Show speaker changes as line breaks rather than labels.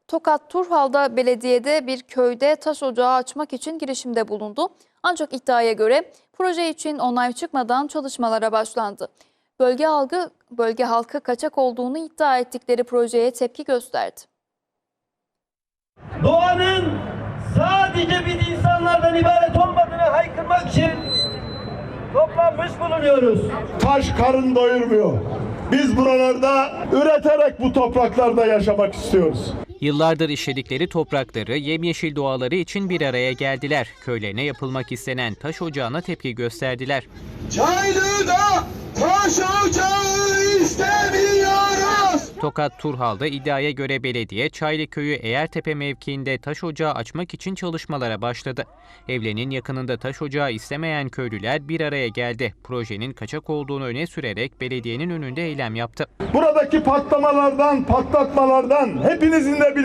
Tokat Turhal'da belediyede bir köyde taş ocağı açmak için girişimde bulundu. Ancak iddiaya göre proje için onay çıkmadan çalışmalara başlandı. Bölge halkı kaçak olduğunu iddia ettikleri projeye tepki gösterdi.
Doğanın sadece biz insanlardan ibaret olmadığını haykırmak için toplanmış bulunuyoruz.
Taş karın doyurmuyor. Biz buralarda üreterek bu topraklarda yaşamak istiyoruz.
Yıllardır işledikleri toprakları, yemyeşil doğaları için bir araya geldiler. Köylerine yapılmak istenen taş ocağına tepki gösterdiler.
Çaylı'da taş ocağı istemiyoruz.
Tokat Turhal'da iddiaya göre belediye, Çaylıköy'ü Eğertepe mevkiinde taş ocağı açmak için çalışmalara başladı. Evlerinin yakınında taş ocağı istemeyen köylüler bir araya geldi. Projenin kaçak olduğunu öne sürerek belediyenin önünde eylem yaptı.
Buradaki patlamalardan, patlatmalardan hepinizin de